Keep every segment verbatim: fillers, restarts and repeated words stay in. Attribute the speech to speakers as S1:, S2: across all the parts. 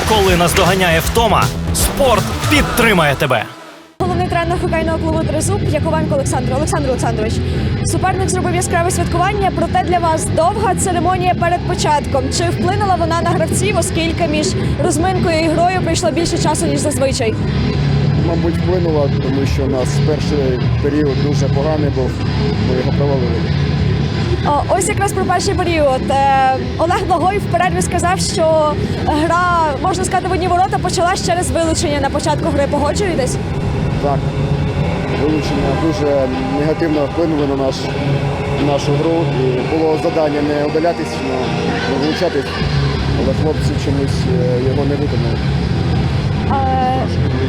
S1: Коли наздоганяє втома, спорт підтримає тебе.
S2: Головний тренер хокейного клубу «Тризуб» Яковенко Олександр. Олександр Олександрович, суперник зробив яскраве святкування, проте для вас довга церемонія перед початком. Чи вплинула вона на гравців, оскільки між розминкою і грою пройшло більше часу, ніж зазвичай?
S3: Мабуть, вплинула, тому що у нас перший період дуже поганий був, ми його провалили.
S2: О, ось якраз про перший період. Е, Олег Благой в перерві сказав, що гра, можна сказати, в одні ворота почалась через вилучення на початку гри. Погоджуєтесь?
S3: Так, вилучення дуже негативно вплинули на, наш, на нашу гру. І було завдання не удалятись, не вилучатись, але хлопці чомусь його не виконали.
S2: Е,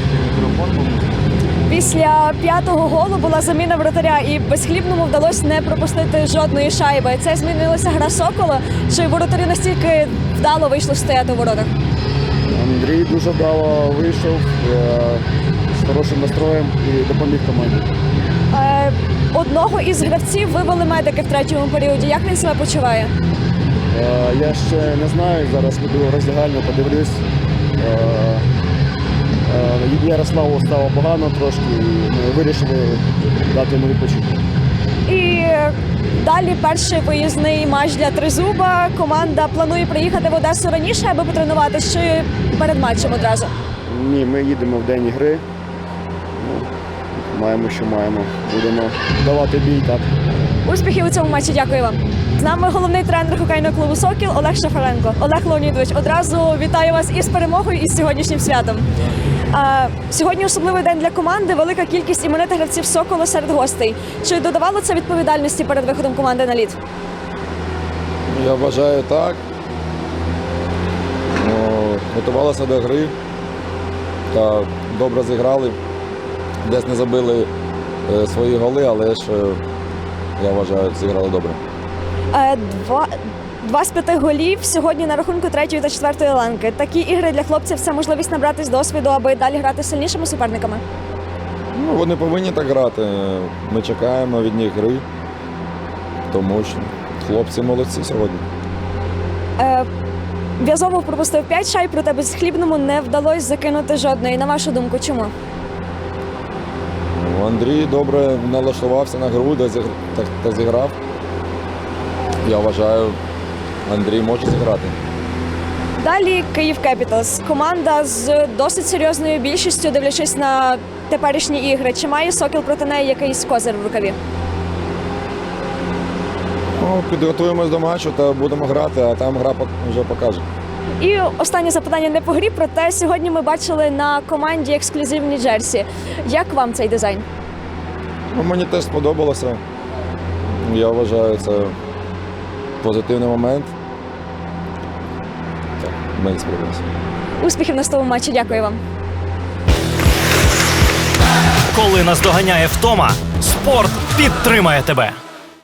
S2: Після п'ятого голу була заміна вратаря, і Безхлібному вдалося не пропустити жодної шайби. Це змінилася гра Сокола? Чи воротарі настільки вдало вийшли стояти у воротах?
S3: Андрій дуже вдало вийшов е, з хорошим настроєм і допоміг команді.
S2: Е, Одного із гравців вивели медики в третьому періоді. Як він себе почуває?
S3: Е, я ще не знаю, зараз піду роздягальню, подивлюсь. Е, е, Ярославу стало погано трошки, і ми вирішили дати йому відпочити.
S2: І далі перший виїзний матч для Тризуба. Команда планує приїхати в Одесу раніше, аби потренуватися, чи перед матчем одразу?
S3: Ні, ми їдемо в день гри. Ну, маємо, що маємо. Будемо давати бій, так.
S2: Успіхів у цьому матчі, дякую вам. З нами головний тренер хокейного клубу «Сокіл» Олег Шафаренко. Олег Леонідович, одразу вітаю вас із перемогою, і з сьогоднішнім святом. А, сьогодні особливий день для команди, велика кількість іменитих гравців «Соколу» серед гостей. Чи додавало це відповідальності перед виходом команди на лід?
S4: Я вважаю, так. Ну, готувалися до гри та добре зіграли. Десь не забили е, свої голи, але ж, е, я вважаю, зіграли добре.
S2: Е, Два, два з п'яти голів сьогодні на рахунку третьої та четвертої ланки. Такі ігри для хлопців – це можливість набратись досвіду, аби далі грати з сильнішими суперниками?
S4: Ну, вони повинні так грати. Ми чекаємо від них гри, тому що хлопці молодці сьогодні.
S2: Е, В'язовов пропустив п'ять шайб, проте Безхлібному не вдалося закинути жодної. На вашу думку, чому?
S4: Ну, Андрій добре налаштувався на гру, де зігр... та, та зіграв. Я вважаю, Андрій може зіграти.
S2: Далі Київ Кепіталс. Команда з досить серйозною більшістю, дивлячись на теперішні ігри. Чи має «Сокіл» проти неї якийсь козир в рукаві?
S4: Ну, підготуємось до матчу та будемо грати, а там гра вже покаже.
S2: І останнє запитання не по грі, проте сьогодні ми бачили на команді ексклюзивні джерсі. Як вам цей дизайн?
S4: Ну, мені теж сподобалося. Я вважаю, це позитивний момент. Так, мені сподобалося.
S2: Успіхів на наступному матчі. Дякую вам.
S1: Коли наздоганяє втома, спорт підтримає тебе.